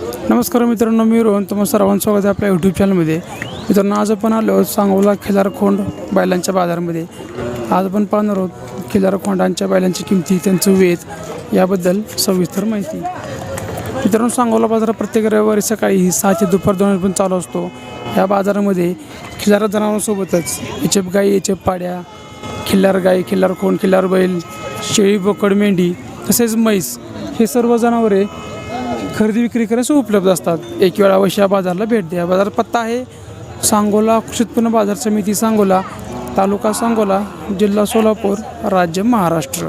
नमस्कार मित्रांनो, मी रोहन. तुम्हा सर्वांचं स्वागत आहे आपल्या यूट्यूब चॅनलमध्ये. मित्रांनो, आज आपण आलो सांगोला खिलारखोंड बैलांच्या बाजारामध्ये. आज आपण पाहणार आहोत खिलारखोंडांच्या बैलांची किमती, त्यांचं वेध याबद्दल सविस्तर माहिती. मित्रांनो, सांगोला बाजार प्रत्येक रविवारी सकाळी 6 ते दुपार 2 पण चालू असतो. या बाजारामध्ये खिलार जनावरांसोबतच एचएफ गाई, एचएफ पाड्या, खिल्लार गाई, खिल्लार खोंड, खिल्लार बैल, शेळी, बोकड, मेंढी तसेच म्हैस हे सर्व जनावरे खरेदी विक्री करण्यास उपलब्ध असतात. एक वेळा अवश्य या बाजाराला भेट द्या. बाजार पत्ता आहे सांगोला कृषी उत्पन्न बाजार समिती, सांगोला, तालुका सांगोला, जिल्हा सोलापूर, राज्य महाराष्ट्र.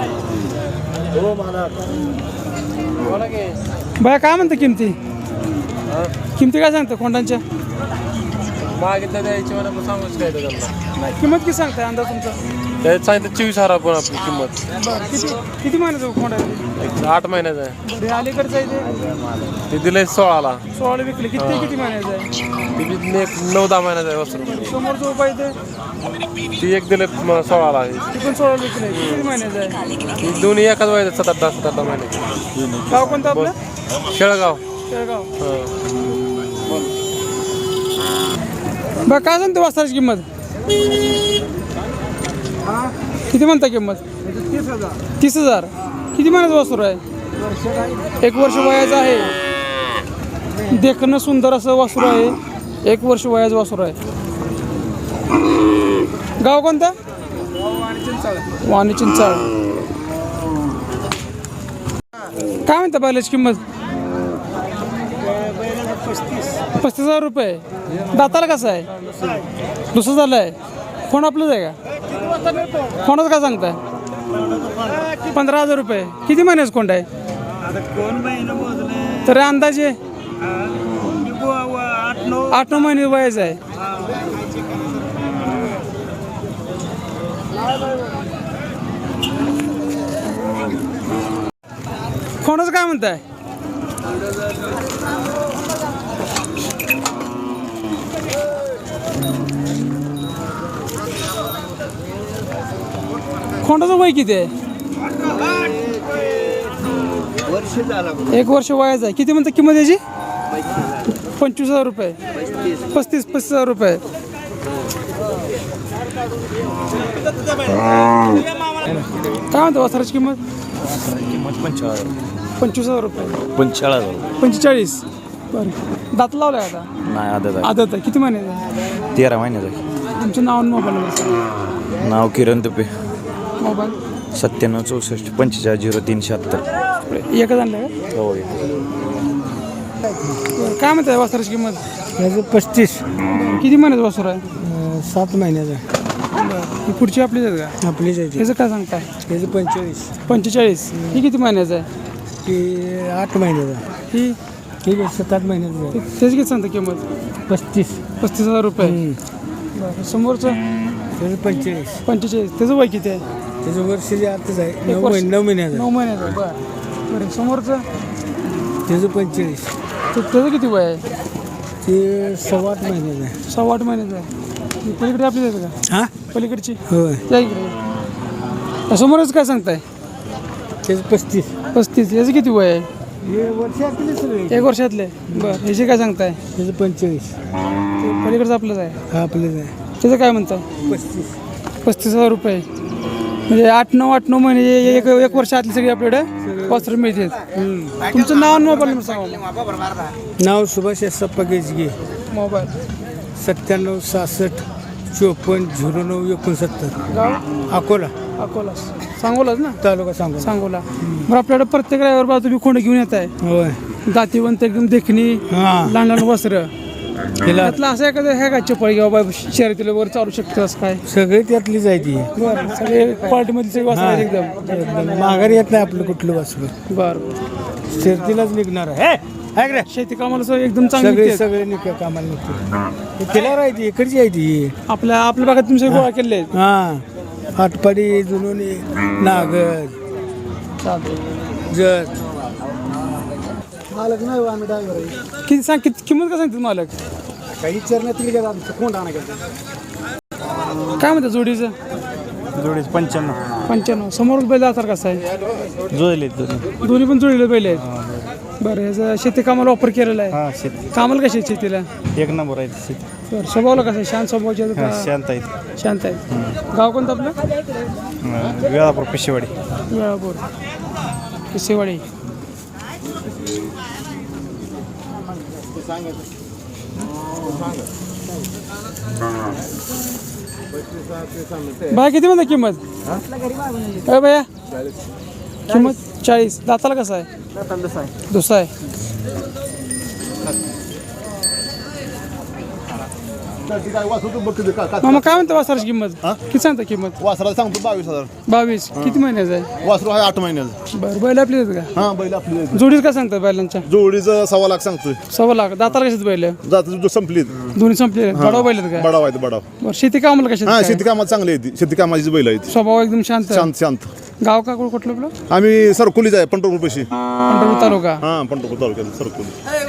बाया काय म्हणतं किमती? किमती काय सांगतं खोंडांच्या? मागितलं द्यायची मला पण सांगूच काय त्यांना. किंमत किती सांगताय अंदाज तुमचा? त्यात सांगितलं 24,000 पण आपली किंमत. किती किती महिन्याचं खोंड आहे? 8 महिन्याचं आहे. हे अलीकडचं आहे ते दिलंय 16ला. 16 विकले. किती महिन्याचं आहे? ते 9-10 महिन्याचं आहे वस्त्र. समोरचं उपाय ते ती एक दिले 16ला आहे. ती पण 16 विकले. किती महिन्याचं आहे? ती दोन्ही एकाच वयाचं 7-8 महिन्याचे. गाव कोणतं आपलं? शेळगाव. शेळगाव. हं. बरं, काय सांगते वासराची किंमत? किती म्हणता किंमत? 30,000. किती महिन्याचं वासरू आहे? 1 वर्ष वयाचं आहे. देखणं सुंदर असं वासरू आहे. 1 वर्ष वयाचं वासरू आहे. गाव कोणतं? वाणी चिंचाळ. काय म्हणता बैलाची किंमत? 35,000 रुपये. दाताला कसं आहे? दुसरं झालं आहे. फोन आपलंच आहे का? फोनच काय सांगताय? 15,000 रुपये. किती महिन्याचं कोंड आहे? तरी अंदाजे 8-9 महिने वयाचं आहे. फोनच काय म्हणताय? खोंडाचं वय किती आहे? 1 वर्ष वयाचं आहे. किती म्हणतात किंमत याची? 25,000 रुपये. 35,000 रुपये. काय म्हणतो वासराची किंमत? 25,000 रुपये. 45. बरं. दात लावलाय आता? नाही आदत आहे. किती महिन्याचं आहे? 13 महिन्याचं. तुमचं नाव आणि मोबाईल नंबर? नाव किरण तुपे. मोबाईल? 97 64 45 0376. एकच आणलं का? हो. काय म्हणताय वासराची किंमत? याचं 35. किती महिन्याचं वासर आहे? 7 महिन्याचा. ही पुढची आपलीच आहेत का? आपलीच आहे त्याचं काय सांगताय? त्याचं 45. ही किती महिन्याचं आहे? की 8 महिन्याचा. ही ठीक आहे, 7-8 महिन्याचा आहे. त्याची किती सांगता किंमत? 35,000 रुपये. बरं. समोरचं? त्याचं 45. 45. त्याचं वय किती आहे? त्याचं वर्षाची आतच आहे. 9 वर्ष. महिन्याचा. 9 महिन्याचं आहे. बरं. समोरचं? त्याचं 45. त्याचं किती वय आहे? ते 7-8 महिन्याचं आहे. 6-8 महिन्याचं आहे. ही पलीकडे आपली आहेत का? हां, पलीकडची? होय. या इकडे. समोरच काय सांगताय? त्याचं 35. 35. याचं किती वय आहे? हे वर्षातले सगळे. 1 वर्षातले. बरं. ह्याचे काय सांगताय? त्याचं 45. ते पलीकडचं आपलंच आहे. हा आपलंच आहे. त्याचं काय म्हणताय? 35. 35,000 रुपये. म्हणजे 8-9 महिने एक वर्ष आतली सगळी आपल्याकडे वस्त्र मिळतात. तुमचं नाव आणि मोबाईल नंबर सांगा. नाव सुभाष सप्पा गेजगे. मोबाईल? 97 66 54 09 69. गाव? अकोला. अकोला. सांगोलाच ना? तालुका सांगोला. सांगोला. बरं, आपल्याकडे प्रत्येक रविवार बाजू तुम्ही खोंड घेऊन येत आहे. होय. दातीवंत एकदम देखणी, हां. लहान लहान वस्त्र. तिला त्यातलं असं एखादं आहे का चप्पल किंवा बाबा शर्यतीला वर चालू शकतं असं काय? सगळे त्यातलीच आहे ती. बरं. सगळे क्वालिटीमध्ये सगळे वस्त्र आहेत एकदम. माघारी येत नाही आपलं कुठलं वासरू. बरं. शर्तीलाच निघणार आहे. है का? शेती कामाला सगळं एकदम चांगली सगळे आहेत. सगळे निघ कामाला निघते. तिला आहे ती इकडची आहे ती. आपल्या भागात तुम्ही सगळे गोळा केले आहेत. हां, आटपाडी, जुनोनी, नागद, जत. मालक नाही आम्ही ड्रायव्हर आहे. किती किंमत काय सांगते मालक? काही चरण्यातली का कोण आणा काय म्हणतात जोडीचं? जोडीच 95. 95. समोर बैल आजार कसा आहे? जोडले दोन्ही पण जोडीले बैल आहेत. बरं ह्याचं शेती कामाला वापर केलेला आहे हा शेती कामाला कशी आहे शेतीला एक नंबर आहे शेती. बरं स्वभावाला कसं आहे शांत स्वभावाचे आहेत हा, का? शांत आहे. शांत आहे गाव कोणतं आपलं वेळापूर पिशेवाडी. वेळापूर किसेवाडी. बाय किती म्हणता किंमत अरे भैया किंमत 40. दाताला कसं आहे दुसरा आहे. मामा काय म्हणता वासराची किंमत किती सांगता किंमत वासराला सांगतो 22,000. 22 किती महिन्याचं आहे वासरू आहे 8 महिन्याचं. बरं बैल आपली आहेत का हा बैल आपली जोडीच काय सांगतात बैलांच्या जोडीचं 1.25 लाख सांगतोय. 1.25 लाख दाताला कशात बैल जात संपली दोन्ही संपले बडाव बैल आहेत का बडाव आहे बडाव. बरं शेती कामाला कशात हा काय? शेती कामात चांगली आहे ती. शेती कामाची बैल आहे ती. स्वभाव एकदम शांत शांत शांत. गाव का कुठलं आपलं आम्ही सरकुलीच आहे पंढरपूर पैशी. पंढरपूर तालुका. हा पंढरपूर तालुक्यात सरकुली.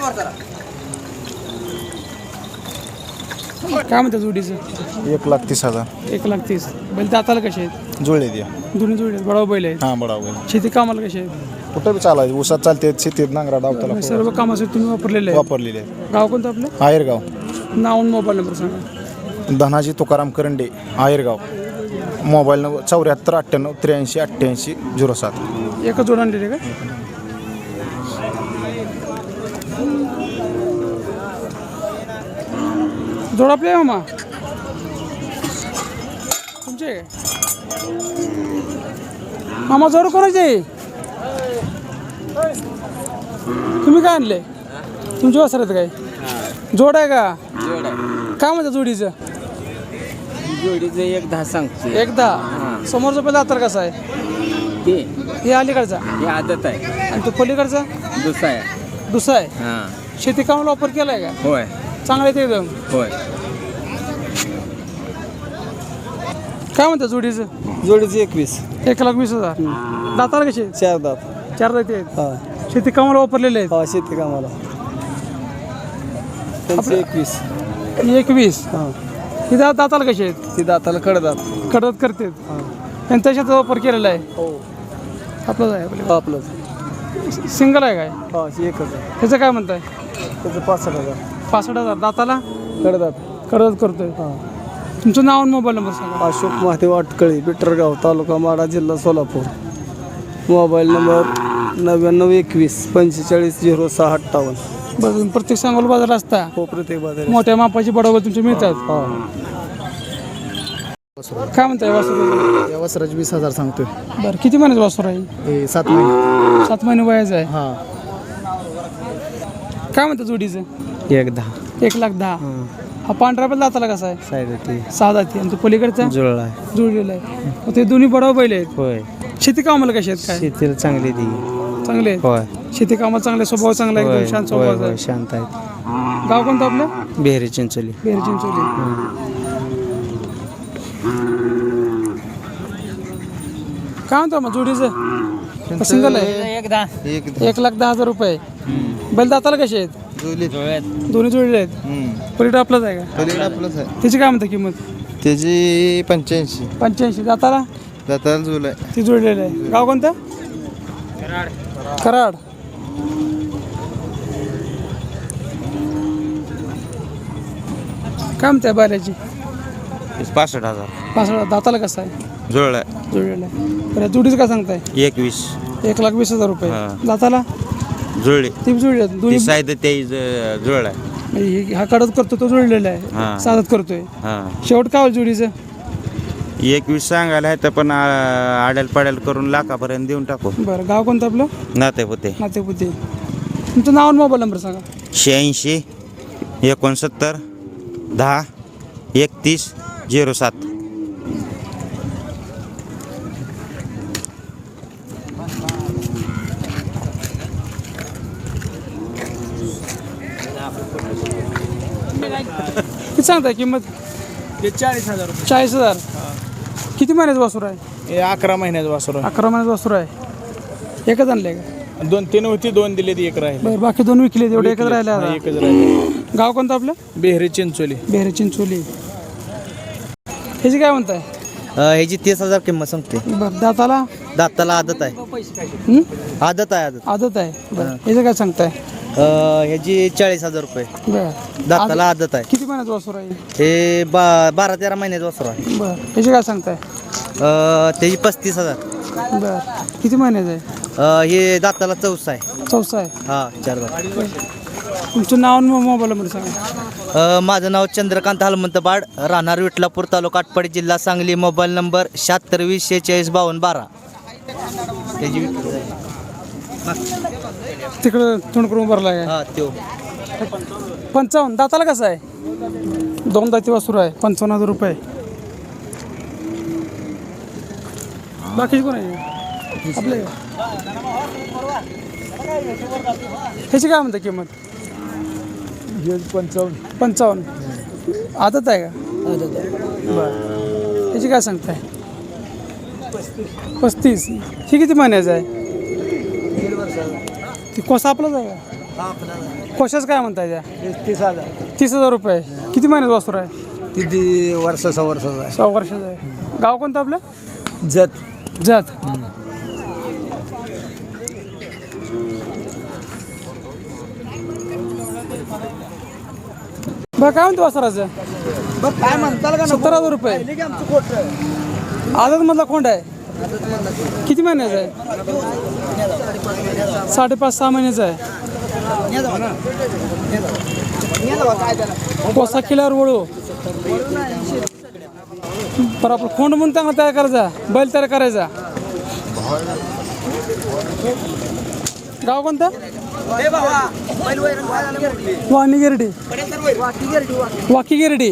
काय म्हणतात जोडीचं 1,30,000. 1,30,000 बैल दाताला कसे आहेत जुळले द्या. दोन्ही जोडी आहेत बडाव बैल आहेत हा बडाव बैल. शेती कामाला कसे आहेत कुठं बी चालायचं ऊसात चालते शेतीत नांगरा डावताला सर्व कामासाठी तुम्ही वापरलेले आहे वापरलेले आहे. गाव कोणतं आपलं आयरगाव. नाव आणि मोबाईल नंबर सांगा. धनाजी तुकाराम करंडे आयरगाव. Mobile number 74 98 83 88 07. एकच जोड आणलेले का जोड आपले आहे मामा तुमचे आहे काय? मामा जोड कोणाचे आहे? तुम्ही काय आणले तुमचे वासर आहेत काय जोड आहे का काय म्हणतात जोडीचं जोडीचं 1,10 सांगतो. एकदा समोरचा पहिला दातार कसा आहे ते हे अलीकडचा ही आदत आहे. आणि तो पलीकडचा दुसरा आहे. दुसरा आहे हां शेती कामाला वापर केला आहे का होय चांगला आहे ते एकदम होय. काय म्हणतात जोडीचं जोडीचे 21. 1,20,000 दाताला कसे आहेत? 4 दात. 4 दाते आहेत हा शेती कामाला वापरलेले आहेत हा शेती कामाला त्यांचे 21. 21 हा ही दाताला कसे आहेत ती दाताला कडदात. कडत करतात त्यांच्या शेतात वापर केलेला आहे हो आपलाच आहे आपलं आपलं सिंगल आहे काय हा एकच आहे. त्याचं काय म्हणताय त्याचं 65,000. 65,000 दाताला कडदात. कडत करतोय हा तुमचं नाव आणि मोबाईल नंबर सांगा. अशोक महादेव अटकळी बिटरगाव तालुका माडा जिल्हा सोलापूर. Mobile number 9921 45 06 58. बरं तुम्ही प्रत्येक सांगोल बाजार असता हो प्रत्येक बाजार. मोठ्या मापाची बडोबर तुमचे मिळतात हा काय म्हणताय वासर या वस्त्राचे 20,000 सांगतोय. बरं किती महिन्याचं वासर आहे हे 7 महिने. 7 महिने वयाचं आहे हा काय म्हणतात जोडीचं 1,10. 1,10,000 हा पांढरा पण दाताला कसा आहे साईड ती 6 दाती आणि तो पलीकडचा जुळला आहे. जुळलेला आहे मग ते दोन्ही बडाव बैल आहेत होय शेती कामाला कशी आहेत काय शेतीला चांगली ती. चांगले आहेत होय शेती कामात चांगले स्वभाव चांगला आहे एकदम शांत स्वभाव आहे शांत आहेत. गाव कोणतं आपलं बेहरी चिंचोली. बेर चिंचोली काय म्हणतो मग जोडीचं सिंगल आहे 1,10,000 रुपये बैल दाताला कसे आहेत दोन्ही जोडले आहेत पलीकडे आपलाच आहे का आपलंच आहे. त्याची काय म्हणता किंमत त्याची 85. 85 दाताला दाताला जुळ आहे. ती जोडलेलं आहे गाव कोणतं कराड काय म्हणते बैलाची 65,000. 65 दाताला कसं आहे जुळलाय जोडलेलं आहे तर जोडीचं काय सांगताय 21. 1,20,000 रुपये हा. दाताला जुळले ती जोडली आहेत दोन्ही साईड ते जुळलाय. म्हणजे हा कडत करतो तो जोडलेला आहे हा. साधत करतोय हां शेवट काय होईल जोडीचं 21 सांगायला आहे तर पण आड्याल पाड्याल करून लाखापर्यंत देऊन टाकू. बरं गाव कोणतं आपलं नाते होते नातेपुते तुमचं नाव आणि मोबाईल नंबर सांगा 86 69 10 31 07. किती सांगताय किंमत 40,000 रुपये. 40,000 किती महिन्याचं वासूर आहे हे 11 महिन्याचं वासर 11 महिन्याचं वासूर आहे एकच आणले का 2-3 होती 2 दिले ती 1 राहिले. बरं बाकी 2 विकले एवढे एकच राहिले आता. एकच राहिले. गाव कोणतं आपलं बेहरी चिंचोली. बेहरे चिंचोली ह्याची काय म्हणताय ह्याची 30,000 किंमत सांगते. बरं दाताला दाताला आदत आहे. हं? आदत आहे. आदत आहे बरं याचं काय सांगताय? ह्याची 40,000 रुपये. बरं दाताला आदत आहे. किती महिन्याचं वासरू आहे? हे 12-13 महिन्याचं वासरू आहे. बरं याचे काय सांगताय? त्याची 35,000. बरं किती महिन्याचं आहे? हे दाताला 14 आहे. चौसा आहे. हा 4 दात. तुमचं नाव आणि मोबाईल नंबर सांगा. माझं नाव चंद्रकांत हनुमंत बाड, राहणार विठलापूर, तालुका आटपाडी, जिल्हा सांगली. Mobile number 7620465212. त्याची तिकडं तोंड करून भरला आहे. हा त्यो 55 दाताला कसं आहे? 2 दाती वासरू आहे. 55,000 रुपये. बाकीचे कोण आहे आपले? ह्याची काय म्हणते किंमत? 55. आदत आहे का? बरं ह्याची काय सांगताय? 35. ही किती महिन्याचं आहे? ती कोसा आपलाच आहे का? कोशाच काय म्हणताय त्या? 30,000 रुपये. किती महिन्याचं वासरू आहे? किती वर्षाचा 100 वर्षाचं आहे. गाव कोणतं आपलं? जत जात. बरं काय म्हणतो वासराचं? काय म्हणताल का 70,000 रुपये. आदत मधला कोंड आहे. किती महिन्याचा आहे? 5.5-6 महिन्याचा आहे. कोसा किल्ल्यावर वळू पर आपलं खोंड म्हणून चांगला तयार करायचा. बैल तयार करायचा. गाव कोणतं? वाणी गिरडी. वाकी गिरडी.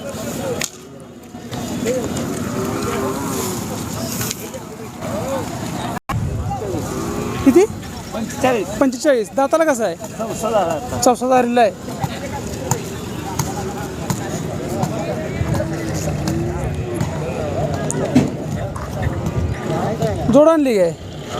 किती? 45. दाताला कसं आहे? 64,000 आहे. जोड आणली काय?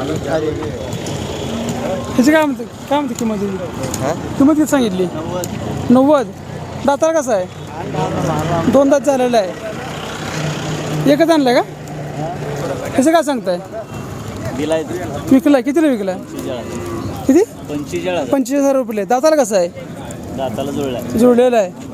ह्याची काय म्हणते किंमत? किंमत किती सांगितली? 90. दाताला कसं आहे? 2 दात झालेलं आहे. एकच आणलं का? ह्याचं काय सांगताय? विकलाय. कितीला विकलाय? किती? 45,000 रुपये. दाताला कसं आहे? दाताला जुळलेलं आहे.